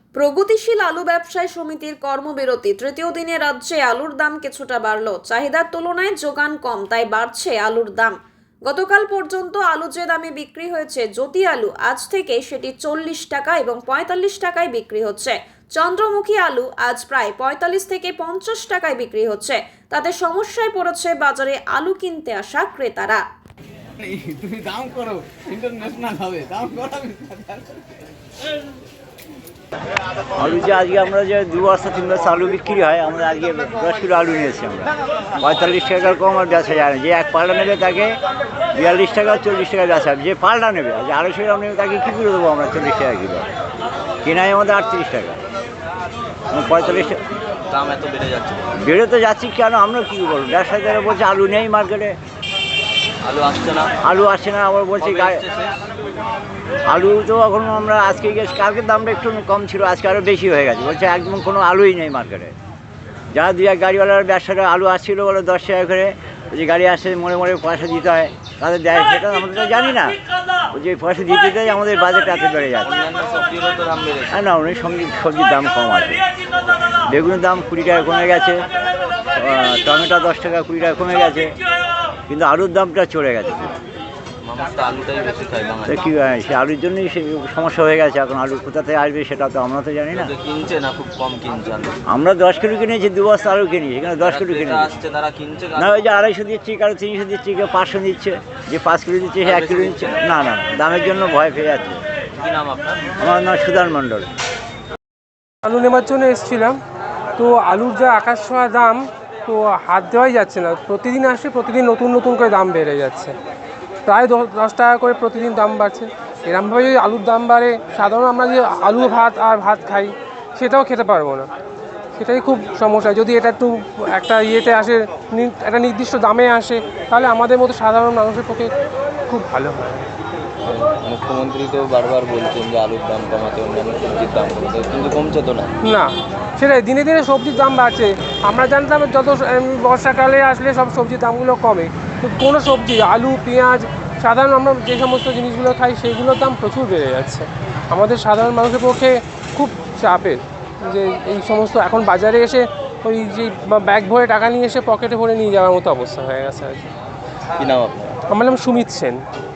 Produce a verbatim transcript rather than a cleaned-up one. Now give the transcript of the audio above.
প্রগতিশীল আলু ব্যবসায়ী সমিতির কর্মবিরতি তৃতীয় দিনে রাজ্যে আলুর দাম কিছুটা বাড়ল। চাহিদার তুলনায় যোগান কম, তাই বাড়ছে আলুর দাম। গতকাল পর্যন্ত আলু যে দামে বিক্রি হয়েছে জ্যোতি আলু, আজ থেকে সেটি চল্লিশ টাকা এবং পঁয়তাল্লিশ টাকায় বিক্রি হচ্ছে। চন্দ্রমুখী আলু আজ প্রায় পঁয়তাল্লিশ থেকে পঞ্চাশ টাকায় বিক্রি হচ্ছে। তাতে সমস্যায় পড়েছে বাজারে আলু কিনতে আসা ক্রেতারা। তুমি দাম করো, ইন্টারন্যাশনাল হবে, দাম করো। আলু যে আজকে আমরা যে দু বস্তা তিন বস্তা আলু বিক্রি হয়, আমরা আজকে দশ কিলো আলু নিয়েছি। আমরা পঁয়তাল্লিশ টাকার কম আর বেচা যায় না। যে এক পাল্টা নেবে তাকে বিয়াল্লিশ টাকা চল্লিশ টাকা বেচা, যে পাল্টা নেবে যে আড়াইশো গ্রাম নেবে তাকে কী করে দেবো আমরা চল্লিশ টাকা কিলো, কেনাই আমাদের আটত্রিশ টাকা, পঁয়তাল্লিশ টাকা দাম এত বেড়ে যাচ্ছে। বেড়ে তো যাচ্ছি কেন, আমরা কী করবো? ব্যবসায়ীরা বলছে আলু নেই মার্কেটে, আলু আসছে না আলু আসছে না। আবার বলছি আলু তো এখন আমরা আজকে গেছি, কালকের দামটা একটু কম ছিল, আজকে আরও বেশি হয়ে গেছে। বলছে একদম কোনো আলুই নেই মার্কেটে। যারা দু এক গাড়িওয়ালার ব্যবসাটা আলু আসছিলো বলে দশ টাকা করে, যে গাড়ি আসে মোড়ে মোড়ে পয়সা দিতে হয়, তাদের দেয়, সেটা আমরা তো জানি না। যে পয়সা দিতে দেয় আমাদের বাজেটটা এত বেড়ে যাচ্ছে। হ্যাঁ না, অনেক সবজি সবজির দাম কম আছে। বেগুনের দাম কুড়ি টাকা কমে গেছে, টমেটো দশ টাকা কুড়ি টাকা কমে গেছে, কিন্তু আলুর দামটা চড়ে গেছে। কি সে আলুর জন্যই সে সমস্যা হয়ে গেছে। এখন আলু কোথা থেকে আসবে সেটা তো আমরা তো জানি না। কিনছে না, খুব কম কিনছে। আমরা দশ কিলো কিনেছি, দু বস্তা আলু কিনি, এখানে দশ কিলো কিনে আসছে, তারা কিনছে না। ওই যে আড়াইশো দিচ্ছি, কারো তিনশো দিচ্ছি, কেউ পাঁচশো দিচ্ছে, যে পাঁচ কিলো দিচ্ছে সে এক কিলো দিচ্ছে। না না, দামের জন্য ভয় পেয়ে যাচ্ছে। কি নাম আপনার? আমার নাম সুদান মণ্ডল। আলু নেওয়ার জন্য এসেছিলাম, তো আলুর যা আকাশ ছোঁয়া দাম, তো হাত দেওয়াই যাচ্ছে না। প্রতিদিন আসে, প্রতিদিন নতুন নতুন করে দাম বেড়ে যাচ্ছে, প্রায় দশ টাকা করে প্রতিদিন দাম বাড়ছে। এরমভাবে যদি আলুর দাম বাড়ে, সাধারণ আমরা যে আলু ভাত আর ভাত খাই সেটাও খেতে পারবো না। সেটাই খুব সমস্যা। যদি এটা একটু একটা ইয়েতে আসে, একটা নির্দিষ্ট দামে আসে, তাহলে আমাদের মতো সাধারণ মানুষের পক্ষে খুব ভালো হয়। মুখ্যমন্ত্রী তো বারবার বলছেন যে আলুর দাম কমাতে, অন্যান্য সবজির দাম কমাতে, কিন্তু কমছে তো না। না, সেটাই, দিনে দিনে সবজির দাম বাড়ছে। আমরা জানতাম যত বর্ষাকালে আসলে সব সবজির দামগুলো কমে, তো কোনো সবজি, আলু পেঁয়াজ, সাধারণ আমরা যে সমস্ত জিনিসগুলো খাই সেগুলোর দাম প্রচুর বেড়ে যাচ্ছে। আমাদের সাধারণ মানুষের পক্ষে খুব চাপের যে এই সমস্ত এখন বাজারে এসে ওই যে ব্যাগ ভরে টাকা নিয়ে এসে পকেটে ভরে নিয়ে যাওয়ার মতো অবস্থা হয়ে গেছে আর কি। কি নাম আপনার? আমার নাম সুমিত সেন।